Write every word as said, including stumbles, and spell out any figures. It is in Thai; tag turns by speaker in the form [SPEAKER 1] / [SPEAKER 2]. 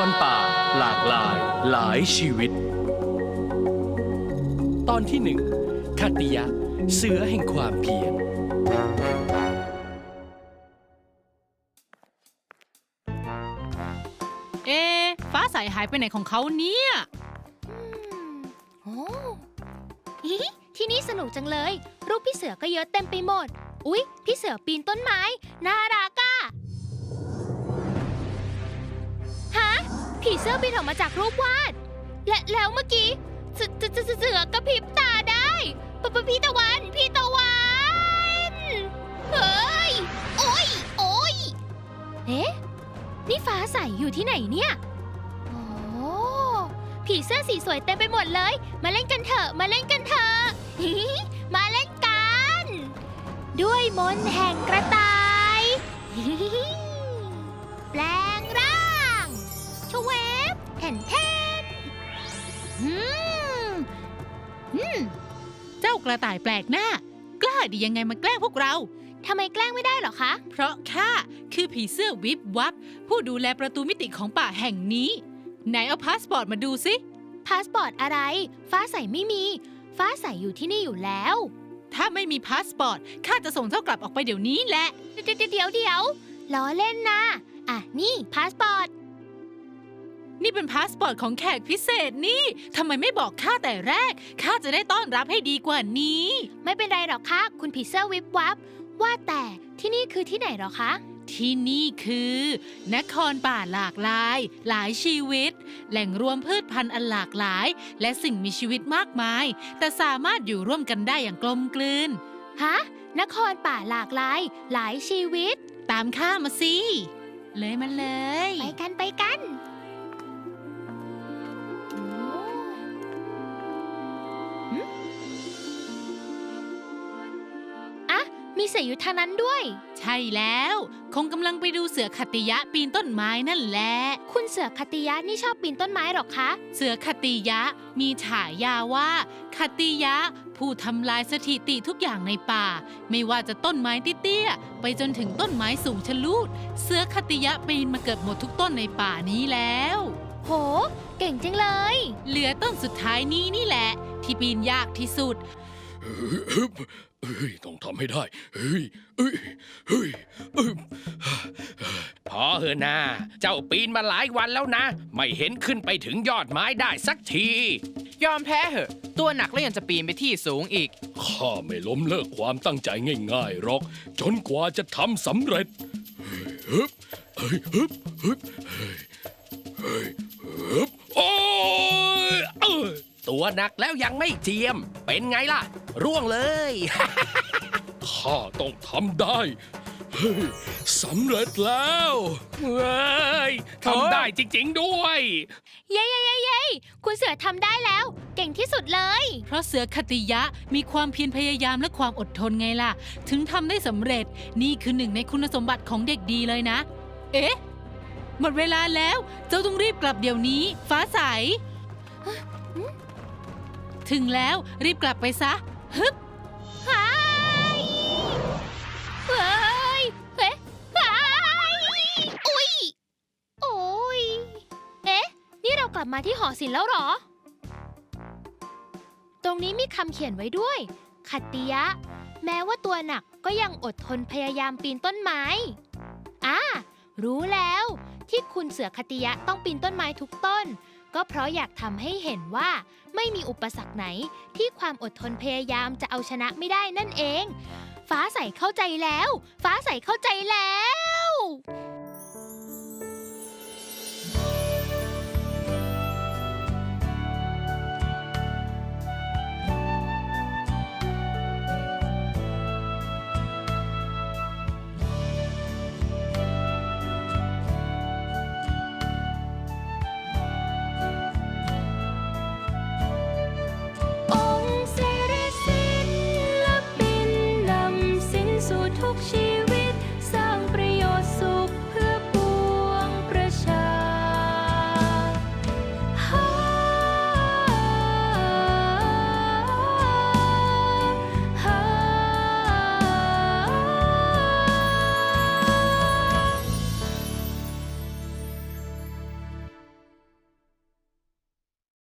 [SPEAKER 1] รป่าหลากหลายหลายชีวิต ตอนที่หนึ่งคัตติยะเสือแห่งความเพียร
[SPEAKER 2] เอ๊ะฟ้าใสหายไปไหนของเขาเนี่ย
[SPEAKER 3] โอ้ฮิที่นี่สนุกจังเลย รูปพี่เสือก็เยอะเต็มไปหมด อุ๊ย พี่เสือปีนต้นไม้ น่ารักอะฮะ ผีเสื้อบินออกมาจากรูปวาด และแล้วเมื่อกี้เสือเสือเสือกระพริบตาได้ปะปะพี่ตะวัน พี่ตะวัน เฮ้ย โอ๊ย โอ๊ย เอ๊ะ นี่ฟ้าใสอยู่ที่ไหนเนี่ย โอ้ผีเสื้อสีสวยเต็มไปหมดเลย มาเล่นกันเถอะ มาเล่นกันเถอะ มาเล่นกัน ด้วยมนต์แห่งกระต่าย แปลงร่างชเวฟแผ่นแทน
[SPEAKER 2] อืมอืมเจ้ากระต่ายแปลกหน้ากล้าดียังไงมาแกล้งพวกเรา
[SPEAKER 3] ทำไมแกล้งไม่ได้หรอคะ
[SPEAKER 2] เพราะข้าคือผีเสื้อวิบวับผู้ดูแลประตูมิติของป่าแห่งนี้ไหนเอาพาสปอร์ตมาดูสิ
[SPEAKER 3] พาสปอร์ตอะไรฟ้าใสไม่มีฟ้าใสอยู่ที่นี่อยู่แล้ว
[SPEAKER 2] ถ้าไม่มีพาสปอร์ตข้าจะส่งเจ้ากลับออกไปเดี๋ยวนี้แหละ
[SPEAKER 3] เดี๋ยวเดี๋ยวเดี๋ยวล้อเล่นนะอ่ะนี่พาสปอร์ต
[SPEAKER 2] นี่เป็นพาสปอร์ตของแขกพิเศษนี่ทำไมไม่บอกข้าแต่แรกข้าจะได้ต้อนรับให้ดีกว่านี้
[SPEAKER 3] ไม่เป็นไรหรอกค่ะคุณผีเสื้อวิบวับว่าแต่ที่นี่คือที่ไหนหรอคะ
[SPEAKER 2] ที่นี่คือนครป่าหลากหลายหลายชีวิตแหล่งรวมพืชพันธุ์อันหลากหลายและสิ่งมีชีวิตมากมายแต่สามารถอยู่ร่วมกันได้อย่างกลมกลืน
[SPEAKER 3] ฮะนครป่าหลากหลายหลายชีวิต
[SPEAKER 2] ตามข้ามาสิเลยมาเลย
[SPEAKER 3] ไปกันไปกันมีเสืออยู่ทางนั้นด้วย
[SPEAKER 2] ใช่แล้วคงกำลังไปดูเสือคัตติยะปีนต้นไม้นั่นแหละ
[SPEAKER 3] คุณเสือคัตติยะนี่ชอบปีนต้นไม้หรอคะ
[SPEAKER 2] เสือคัตติยะมีฉายาว่าคัตติยะผู้ทำลายสถิติทุกอย่างในป่าไม่ว่าจะต้นไม้เตี้ยๆไปจนถึงต้นไม้สูงชะลูดเสือคัตติยะปีนมาเกือบหมดทุกต้นในป่านี้แล้ว
[SPEAKER 3] โหเก่งจังเลย
[SPEAKER 2] เหลือต้นสุดท้ายนี้นี่แหละที่ปีนยากที่สุด
[SPEAKER 1] เฮ้ยต้องทำให้ได้เฮ้ยเฮ้ยเฮ้ย
[SPEAKER 4] พอเถอะนะเจ้าปีนมาหลายวันแล้วนะไม่เห็นขึ้นไปถึงยอดไม้ได้สักที
[SPEAKER 5] ยอมแพ้เหอะตัวหนักแล้วยังจะปีนไปที่สูงอีก
[SPEAKER 1] ข้าไม่ล้มเลิกความตั้งใจง่ายๆหรอกจนกว่าจะทำสำเร็จเฮ้ยเฮ้ยเฮ้ยเฮ้ยเฮ้ยเฮ้ยโอ้
[SPEAKER 4] ยตัวหนักแล้วยังไม่เจียมเป็นไงล่ะร่วงเลย
[SPEAKER 1] ข้าต้องทำได้เฮ้ยสำเร็จแล้ว
[SPEAKER 4] เฮ้ยทำได้จริงๆด้วย
[SPEAKER 3] เย้เย้เย้เย้คุณเสือทำได้แล้วเก่งที่สุดเลย
[SPEAKER 2] เพราะเสือคัตติยะมีความเพียรพยายามและความอดทนไงล่ะถึงทำได้สำเร็จนี่คือหนึ่งในคุณสมบัติของเด็กดีเลยนะเอ๊ะหมดเวลาแล้วเจ้าต้องรีบกลับเดี๋ยวนี้ฟ้าใสถึงแล้วรีบกลับไปซะฮึบ
[SPEAKER 3] หายเฮ้ยเฮ้ยหายอุ๊ยโอ้ยเอ๊ะนี่เรากลับมาที่หอศิลป์แล้วหรอตรงนี้มีคำเขียนไว้ด้วยคัตติยะแม้ว่าตัวหนักก็ยังอดทนพยายามปีนต้นไม้อ่ารู้แล้วที่คุณเสือคัตติยะต้องปีนต้นไม้ทุกต้นก็เพราะอยากทำให้เห็นว่าไม่มีอุปสรรคไหนที่ความอดทนพยายามจะเอาชนะไม่ได้นั่นเองฟ้าใสเข้าใจแล้วฟ้าใสเข้าใจแล้ว